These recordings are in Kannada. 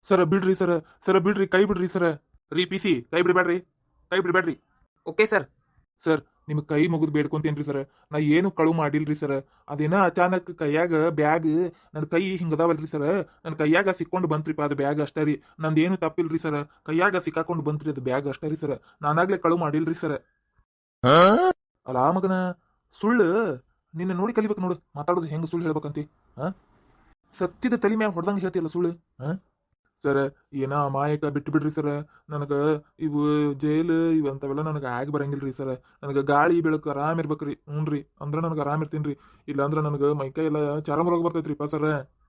ಸರ ಬಿಡ್ರಿ ಸರ, ಸರ ಬಿಡ್ರಿ, ಕೈ ಬಿಡ್ರಿ ಸರ. ರೀ ಪಿ ಸಿ, ಕೈ ಬಿಡಬೇಡ್ರಿ, ಕೈ ಬಿಡಬೇಡ್ರಿ. Okay sir. ಸರ್ ನಿಮ್ಗೆ ಕೈ ಮುಗಿದು ಬೇಡ್ಕೊಂತೇನ್ರಿ ಸರ್. ನಾ ಏನು ಕಳು ಮಾಡಿಲ್ರಿ ಸರ್. ಅದೇನ ಅಚಾನಕ್ ಕೈಯಾಗ ಬ್ಯಾಗ್, ನನ್ನ ಕೈ ಹಿಂಗದಾವಲ್ರಿ ಸರ್, ನನ್ನ ಕೈಯಾಗ ಸಿಕ್ಕೊಂಡು ಬಂತ್ರಿಪ್ಪ ಅದು ಬ್ಯಾಗ್ ಅಷ್ಟೇ ರೀ. ನಂದೇನು ತಪ್ಪಿಲ್ರಿ ಸರ್, ಕೈಯಾಗ ಸಿಕ್ಕಾಕೊಂಡು ಬಂತ್ರಿ ಅದು ಬ್ಯಾಗ್ ಅಷ್ಟೇ ರೀ ಸರ್. ನಾನಾಗ್ಲೇ ಕಳು ಮಾಡಿಲ್ರಿ ಸರ್. ಅಲ್ಲ ಮಗನ, ಸುಳ್ಳು ನಿನ್ನ ನೋಡಿ ಕಲಿಬೇಕು ನೋಡು, ಮಾತಾಡೋದು ಹೆಂಗ್ ಸುಳ್ಳು ಹೇಳ್ಬೇಕಂತಿ. ಹಾ, ಸತ್ತಿದ ತಲೆ ಮ್ಯಾಗ ಹೊಡೆದಂಗೆ ಹೇಳ್ತಿಯಲ್ಲ ಸುಳ್ಳು. ಹಾ ಸರ್, ಏನ ಅಮಾಯಕ ಬಿಟ್ಟು ಬಿಡ್ರಿ ಸರ್. ನನಗ ಇವು ಜೈಲು ಇವಂತವೆಲ್ಲ ನನಗೆ ಆಗಿ ಬರಂಗಿಲ್ರಿ ಸರ್. ನನಗೆ ಗಾಳಿ ಬೆಳಕು ಆರಾಮ್ ಇರ್ಬೇಕ್ರಿ. ಹ್ಞೂನ್ರಿ, ಅಂದ್ರೆ ನನಗೆ ಆರಾಮ್ ಇರ್ತೀನಿ. ಇಲ್ಲ ಅಂದ್ರೆ ನನಗೆ ಮೈಕೈ ಎಲ್ಲ ಚರಮ ರೋಗ ಬರ್ತೈತ್ರಿಪ್ಪ ಸರ್.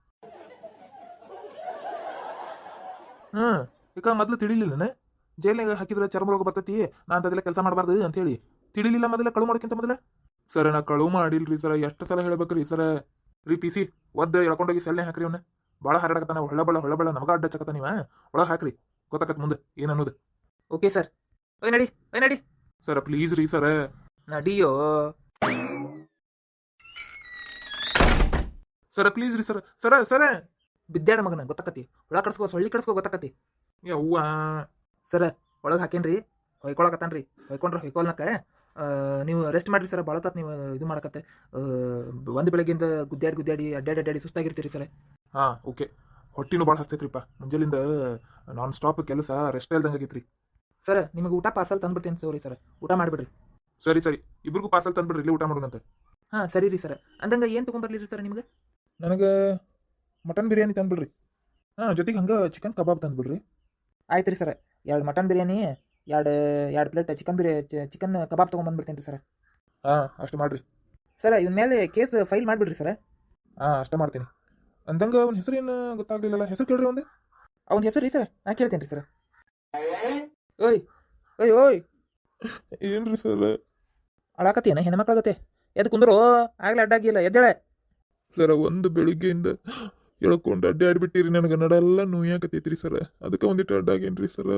ಹ್ಮ್, ಈಗ ಮೊದ್ಲು ತಿಳಿಲಿಲ್ಲನ ಜೈಲ್ನಾಗ ಹಾಕಿದ್ರೆ ಚರ್ಮ ರೋಗ ಬರ್ತೈತಿ, ನಾ ಅಂತದೆಲ್ಲ ಕೆಲಸ ಮಾಡಬಾರ್ದು ಅಂತ ಹೇಳಿ ತಿಳಿಲಿಲ್ಲ ಮೊದಲ ಕಳು ಮಾಡೋಕ್ಕಿಂತ ಮೊದಲ. ಸರ್ ನಾ ಕಳು ಮಾಡಿಲ್ರಿ ಸರ್, ಎಷ್ಟು ಸಲ ಹೇಳ್ಬೇಕ್ರಿ ಸರ್. ರೀ ಪಿ ಸಿ, ಒದ್ದು ಎಳ್ಕೊಂಡೋಗಿ ಸೆಲ್ನೆ ಹಾಕ್ರಿ ಅವನ್ನ. ಭಾಳ ಹರಡಕತ್ತಾನ, ಹೊಳ್ಳಬಳ್ಳ ನಮಗ ಅಡ್ಡ ಚಕತ್ತ ನೀವ. ಒಳಗೆ ಹಾಕ್ರಿ, ಗೊತ್ತಾಕತ್ ಮುಂದೆ ಏನನ್ನೋದು. Okay sir. ಓಯ್ ನಡಿ, ಓಯ್ ನಡಿ. ಸರ್ ಪ್ಲೀಸ್ ರೀ ಸರ್. ನಡಿಯೋ. ಸರ್ ಪ್ಲೀಸ್ ರೀ ಸರ್. ಸರ ಸರ ಬಿದ್ದಾಡ ಮಗನ ಗೊತ್ತಾಕತಿ, ಹುಳ ಕಡ್ಸ್ಕೋ ಸೊಳ್ಳಿ ಕಡ್ಸ್ಕೋ ಗೊತ್ತಾಕತಿ. ಯವ್ವ. ಸರ್ ಒಳಗೆ ಹಾಕೇನ್ರಿ, ಹೊಯ್ಕೊಳಕತ್ತಾನ್ರಿ. ಹೊಯ್ಕೊಂಡ್ರೆ ಹೊಯ್ಕೊಲ್ನಕ ನೀವು ರೆಸ್ಟ್ ಮಾಡ್ರಿ ಸರ್. ಭಾಳ ತಾತ್ ನೀವು ಇದು ಮಾಡಕತ್ತೆ. ಒಂದು ಬೆಳಗ್ಗೆಯಿಂದ ಗುದ್ದಾಡಿ ಅಡ್ಡಾಡಿ ಸುಸ್ತಾಗಿರ್ತೀರಿ ಸರ್. ಹಾ ಓಕೆ. ಹೊಟ್ಟಿನೂ ಭಾಳ ಹಸ್ತೈತ್ರಿಪ್ಪ, ಮುಂಜಾಲಿಂದ ನಾನ್ ಸ್ಟಾಪ್ ಕೆಲಸ, ರೆಸ್ಟ್ ಇಲ್ದಂಗೆ ಆಗೈತ್ರಿ. ಸರ್ ನಿಮಗೆ ಊಟ ಪಾರ್ಸಲ್ ತಂದ್ಬಿಡ್ತೀನಿ ಸೋರಿ ಸರ್, ಊಟ ಮಾಡಿಬಿಡ್ರಿ. ಸರಿ ಸರಿ, ಇಬ್ರಿಗೂ ಪಾರ್ಸಲ್ ತಂದ್ಬಿಡ್ರಿ, ಇಲ್ಲಿ ಊಟ ಮಾಡೋಣಂತೆ. ಹಾಂ ಸರಿ ರೀ ಸರ್. ಅಂದಂಗೆ ಏನು ತೊಗೊಂಬರ್ಲಿ ರೀ ಸರ್ ನಿಮ್ಗೆ? ನನಗೆ ಮಟನ್ ಬಿರಿಯಾನಿ ತಂದ್ಬಿಡ್ರಿ. ಹಾಂ, ಜೊತೆಗೆ ಹಂಗೆ ಚಿಕನ್ ಕಬಾಬ್ ತಂದ್ಬಿಡ್ರಿ. ಆಯ್ತು ರೀ ಸರ್. 2 ಮಟನ್ ಬಿರಿಯಾನಿ, ಎರಡು ಪ್ಲೇಟ್ ಚಿಕನ್ ಕಬಾಬ್ ತೊಗೊಂಬಂದ್ಬಿಡ್ತೀನಿ ರೀ ಸರ್. ಹಾಂ ಅಷ್ಟು ಮಾಡ್ರಿ. ಸರ್ ಇವನ ಮೇಲೆ ಕೇಸ್ ಫೈಲ್ ಮಾಡಿಬಿಡ್ರಿ ಸರ್. ಹಾಂ ಅಷ್ಟೇ ಮಾಡ್ತೀನಿ. ಅಂದಂಗೆ ಅವ್ನ ಹೆಸರು ಏನು ಗೊತ್ತಾಗ್ಲಿಲ್ಲಲ್ಲ, ಹೆಸರು ಕೇಳ್ರಿ ಒಂದು. ಅವ್ನ ಹೆಸರು ರೀ ಸರ್, ನಾ ಕೇಳ್ತೇನೆ ರೀ ಸರ್. ಓಯ್ ಓಯ್ ಓಯ್, ಏನ್ರಿ ಸರ್? ಅಳಾಕತ್ತೀನ ಹೆಣ್ಮಕ್ಳಾಗತ್ತೆ? ಎದ್ದು ಕುಂದ್ರು, ಆಗ್ಲೇ ಅಡ್ಡಾಗಿಲ್ಲ, ಎದ್ದೇಳೆ. ಸರ ಒಂದು ಬೆಳಿಗ್ಗೆಯಿಂದ ಎಳ್ಕೊಂಡು ಅಡ್ಡಾಡ್ಬಿಟ್ಟಿರಿ, ನನಗೆ ನಡೆಲ್ಲ ನೋಯಾಕತೈತ್ರಿ ಸರ, ಅದಕ್ಕೆ ಒಂದಿಟ್ಟು ಅಡ್ಡಾಗೇನ್ರಿ ಸರ.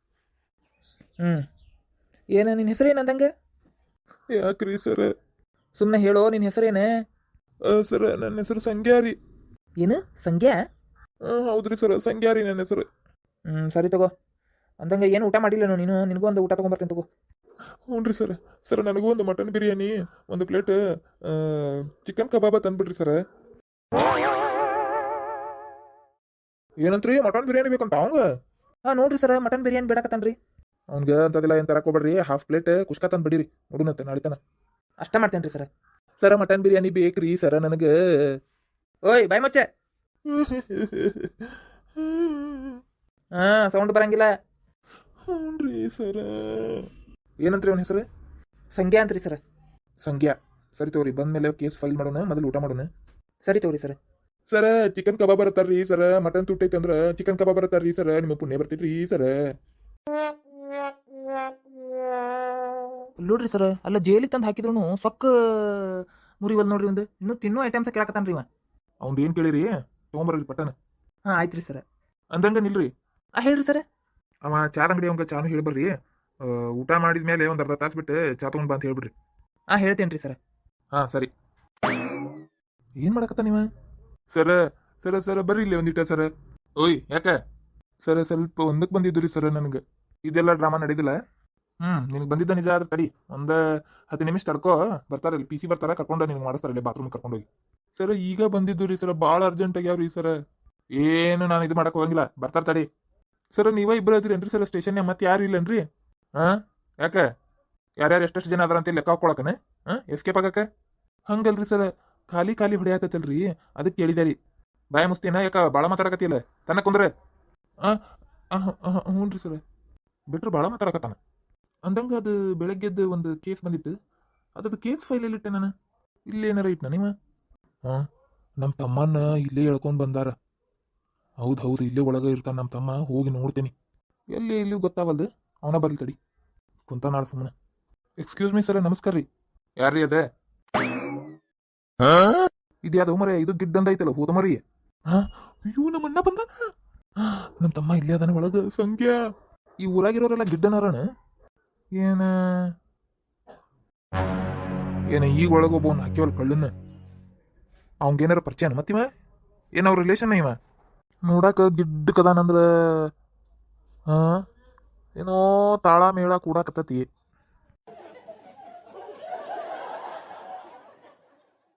ಏನು ನಿನ್ನ ಹೆಸರೇನು ಅಂದಂಗೆ? ಯಾಕ್ರಿ ಸರ? ಸುಮ್ಮನೆ ಹೇಳೋ, ನಿನ್ನ ಹೆಸರೇನು? ಸರ ನನ್ನ ಹೆಸರು ಸಂಗ್ಯಾರಿ. ಏನು ಸಂಖ್ಯಾ? ಹೌದ್ರಿ ಸರ, ಸಂಗ್ಯಾರಿ ನನ್ನ ಹೆಸರು. ಸರಿ ತಗೋ. ಅಂದಂಗೆ ಏನು ಊಟ ಮಾಡಿಲ್ಲ ನೀನು? ನಿನಗೂ ಒಂದು ಊಟ ತೊಗೊಂಬರ್ತೀನಿ ತಗೋ. ಹ್ಞೂ ರೀ ಸರ್. ಸರ್ ನನಗೂ ಒಂದು ಮಟನ್ ಬಿರಿಯಾನಿ, ಒಂದು ಪ್ಲೇಟ್ ಚಿಕನ್ ಕಬಾಬ ತಂದ್ಬಿಡ್ರಿ ಸರ್. ಏನಂತ್ರಿ, ಮಟನ್ ಬಿರಿಯಾನಿ ಬೇಕಂತ ಅವಂಗ? ಹಾಂ ನೋಡ್ರಿ ಸರ್, ಮಟನ್ ಬಿರಿಯಾನಿ ಬೇಡಕತ್ತಾನ್ರಿ. ಅವ್ನಿಗೆ ಅಂತದೆಲ್ಲ ಏನು ತರಕೋಬೇಡ್ರಿ, ಹಾಫ್ ಪ್ಲೇಟ್ ಕುಷ್ಕ ತಂದ್ಬಿಡಿರಿ, ನೋಡುನಂತೆ ನಾಳೆ ತನ. ಅಷ್ಟೇ ಮಾಡ್ತೇನೆ ರೀ ಸರ್. ಸರ ಮಟನ್ ಬಿರಿಯಾನಿ ಬೇಕ್ರಿ ಸರ ನನಗೆ. ಓಯ್ ಬಾಯ್ ಮುಚ್ಚೆ. ಸೌಂಡ್ ಬರಂಗಿಲ್ಲ. ಹ್ಞೂ ರೀ ಸರ. ಏನಂತ್ರಿ ಅವನ ಹೆಸರು? ಸಂಖ್ಯಾ ಅಂತ್ರಿ ಸರ್. ಸಂಖ್ಯಾ. ಸರಿ ತಗೋರಿ, ಬಂದ್ಮೇಲೆ ಕೇಸ್ ಫೈಲ್ ಮಾಡೋಣ, ಮೊದಲು ಊಟ ಮಾಡೋಣ. ಸರಿ ತಗೋರಿ ಸರ್. ಸರ ಚಿಕನ್ ಕಬಾಬ್ ಬರತ್ತಾರ್ರಿ ಸರ, ಮಟನ್ ತುಟ್ಟೈತೆ ಅಂದ್ರೆ ಚಿಕನ್ ಕಬಾಬ್ ಬರತ್ತಾರ್ರಿ ಸರ, ನಿಮ್ಮ ಪುಣ್ಯ ಬರ್ತೈತ್ರಿ ಸರ. ನೋಡ್ರಿ ಸರ್, ಅಲ್ಲ ಜೈಲಿಗೆ ತಂದು ಹಾಕಿದ್ರು ಸೊಕ್ಕ ಮುರಿವಲ್ ನೋಡ್ರಿ. ಒಂದು ಇನ್ನೂ ತಿನ್ನೋ ಐಟಮ್ಸ್ ಕೇಳಕತ್ತಾನ್ರಿ ಇವ. ಅವ್ನ್ದು ಏನು ಕೇಳಿರಿ, ತೊಗೊಂಬರ್ರಿ ಪಟನ್. ಹಾಂ ಆಯ್ತು ರೀ ಸರ್. ಅಂದಂಗ ನಿಲ್ರಿ. ಹೇಳ್ರಿ ಸರ್. ಅವ ಚಾದ ಅಂಗಡಿ ಅವಂಗ ಚಾನು ಹೇಳ್ಬರ್ರಿ. ಊಟ ಮಾಡಿದ್ಮೇಲೆ ಒಂದು ಅರ್ಧ ತಾಸು ಬಿಟ್ಟು ಚಾ ತೊಗೊಂಡ್ ಬಾ ಅಂತ ಹೇಳ್ಬಿಡ್ರಿ. ಹೇಳ್ತೇನೆ ರೀ ಸರ್. ಹಾಂ ಸರಿ. ಏನು ಮಾಡಕತ್ತ ನೀವ? ಸರ ಸರ ಸರ ಬರ್ರಿ ಇಲ್ಲಿ ಒಂದಿಟ್ಟ ಸರ. ಓಯ್ ಯಾಕೆ ಸರ? ಸ್ವಲ್ಪ ಒಂದಕ್ಕೆ ಬಂದಿದ್ದು ರೀ ಸರ, ನನಗೆ ಇದೆಲ್ಲ ಡ್ರಾಮಾ ನಡೀದಿಲ್ಲ. ನಿನಗೆ ಬಂದಿದ್ದ ನಿಜ ಆದ್ರೆ ತಡಿ, ಒಂದು 10 ನಿಮಿಷ ತಡ್ಕೋ, ಬರ್ತಾರಲ್ಲಿ ಪಿ ಸಿ ಬರ್ತಾರ, ಕರ್ಕೊಂಡು ನಿನ್ಗೆ ಮಾಡಿಸ್ತಾರಲ್ಲಿ ಬಾತ್ರೂಮ್ ಕರ್ಕೊಂಡೋಗಿ. ಸರ ಈಗ ಬಂದಿದ್ದು ರೀ ಸರ, ಭಾಳ ಅರ್ಜೆಂಟ್ ಆಗ್ಯಾವ್ರಿ ಸರ. ಏನು ನಾನು ಇದು ಮಾಡಕ್ಕೆ ಹೋಗಂಗಿಲ್ಲ, ಬರ್ತಾರ ತಡಿ. ಸರ ನೀವ ಇಬ್ಬರು ಅದಿರೇನ್ರಿ ಸರ್ ಸ್ಟೇಷನ್ಯಾಗ? ಮತ್ತೆ ಯಾರು ಇಲ್ಲನ್ರಿ? ಯಾಕೆ ಯಾರ್ಯಾರು ಎಷ್ಟೆಷ್ಟು ಜನ ಅದಾರ ಅಂತ ಲೆಕ್ಕ ಹಾಕೊಳಕನೆ? ಎಸ್ಕೇಪ್ ಆಗಕ್ಕೆ? ಹಂಗಲ್ರಿ ಸರ್, ಖಾಲಿ ಹೊಡೆಯತ್ತಲ್ರಿ, ಅದಕ್ಕೆ ಕೇಳಿದಾರಿ. ಬಾಯ ಮುಸ್ತೀನ, ಯಾಕ ಭಾಳ ಮಾತಾಡಕತ್ತಿಲ್ಲ? ತನ್ನ ಕುಂದ್ರೆ. ಹ್ಞೂ ರೀ ಸರ್, ಬಿಟ್ರು ಭಾಳ ಮಾತಾಡಕತ್ತಾನ. ಅಂದಂಗ ಅದು ಬೆಳಗ್ಗೆದ್ದು ಒಂದು ಕೇಸ್ ಬಂದಿತ್ತು, ಅದದು ಕೇಸ್ ಫೈಲಲ್ಲಿಟ್ಟೆ ನಾನು. ಇಲ್ಲೇನಾರ ಇಟ್ನ ನೀವ? ನಮ್ಮ ತಮ್ಮನ್ನ ಇಲ್ಲೇ ಎಳ್ಕೊಂಡು ಬಂದಾರ. ಹೌದು, ಇಲ್ಲೇ ಒಳಗೆ ಇರ್ತಾನೆ ನಮ್ಮ ತಮ್ಮ, ಹೋಗಿ ನೋಡ್ತೀನಿ. ಇಲ್ಲಿ ಗೊತ್ತಾವಲ್ದು, ಅವನ ಬರ್ಲಿ ತಡಿ, ಕುಂತ ನಾಳೆ ಸುಮ್ಮನೆ. ಎಕ್ಸ್ಕ್ಯೂಸ್ ಮೀ ಸರ್, ನಮಸ್ಕಾರ ರೀ. ಯಾರ್ರೀ ಅದೇ? ಇದ್ಯಾವ್ದು ಮರ, ಇದು ಗಿಡ್ಡಂದ ಐತಲ್ಲ, ಹೋದ ಮರಿ. ಅಯ್ಯೋ ನಮ್ಮನ್ನ ಬಂದಾನ. ನಮ್ಮ ತಮ್ಮ ಇಲ್ಲೇ ಅದಾನ ಒಳಗ. ಸಂಖ್ಯಾ, ಈ ಊರಾಗಿರೋರೆಲ್ಲ ಗಿಡ್ಡನಾರಣ ಏನ ಈಗ ಒಳಗೊಬ್ಬವನ್ ಹಾಕಿವಲ್ ಕಳ್ಳನ್ನ. ಅವಂಗೇನಾರ ಪರಿಚಯನ ಮತ್ತಿವ? ಏನವ್ರ ರಿಲೇಷನ್ ಇವ? ನೋಡಾಕ ಗಿಡ್ಡಕದಾನಂದ್ರ ಹಾ ಏನೋ ತಾಳ ಮೇಳ ಕೂಡಾಕತ್ತತಿ